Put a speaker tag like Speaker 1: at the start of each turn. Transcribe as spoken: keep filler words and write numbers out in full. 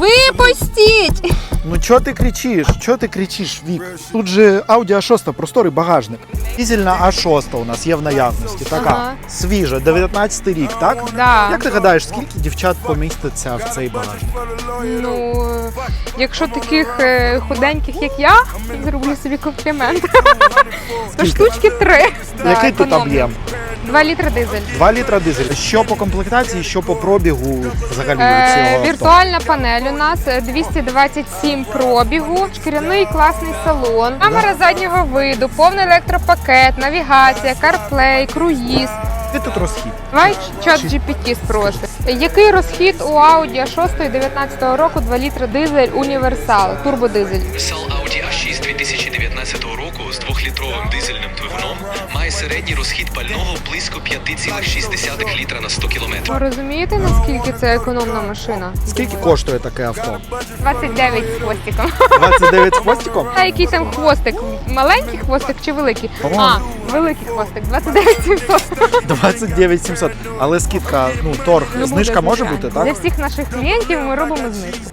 Speaker 1: Випустіть!
Speaker 2: Ну чого ти кричиш? Чого ти кричиш, Вік? Тут же Audi а шість, просторий багажник. Дизельна а шість у нас є в наявності, така
Speaker 1: Ага.
Speaker 2: свіжа, дев'ятнадцятий рік, так?
Speaker 1: Да.
Speaker 2: Як ти гадаєш, скільки дівчат поміститься в цей багажник?
Speaker 1: Ну, якщо таких е, худеньких, як я, зроблю собі комплімент. То штучки три. Да,
Speaker 2: Який тут
Speaker 1: економно.
Speaker 2: об'єм?
Speaker 1: Два літри дизель.
Speaker 2: Два літра дизель. Що по комплектації, що по пробігу взагалі
Speaker 1: Е,
Speaker 2: цього авто?
Speaker 1: віртуальна панель у нас е, двісті двадцять сім пробігу, шкіряний класний салон, камера заднього виду, повний електропакет, навігація, CarPlay, круїз.
Speaker 2: Який тут розхід?
Speaker 1: Давай чат джі пі ті спросить. Який розхід у Audi а шість дев'ятнадцятого року, два літри дизель універсал, турбодизель?
Speaker 3: Універсал Audi а шість дві тисячі дев'ятнадцятого року з двохлітровим дизельним двигуном має середній розхід пального близько п'ять цілих шість десятих літра на сто кілометрів.
Speaker 1: Ви розумієте, наскільки це економна машина?
Speaker 2: Скільки коштує таке авто?
Speaker 1: двадцять дев'ять з хвостиком.
Speaker 2: двадцять дев'ять з хвостиком?
Speaker 1: А який там хвостик? Маленький хвостик чи великий?
Speaker 2: О.
Speaker 1: А, великий хвостик, двадцять дев'ять сімсот.
Speaker 2: двадцять дев'ять сімсот. Але скидка, ну, торг,
Speaker 1: Ну,
Speaker 2: знижка
Speaker 1: буде,
Speaker 2: може
Speaker 1: звичайно.
Speaker 2: бути, так?
Speaker 1: Для всіх наших клієнтів ми робимо знижку.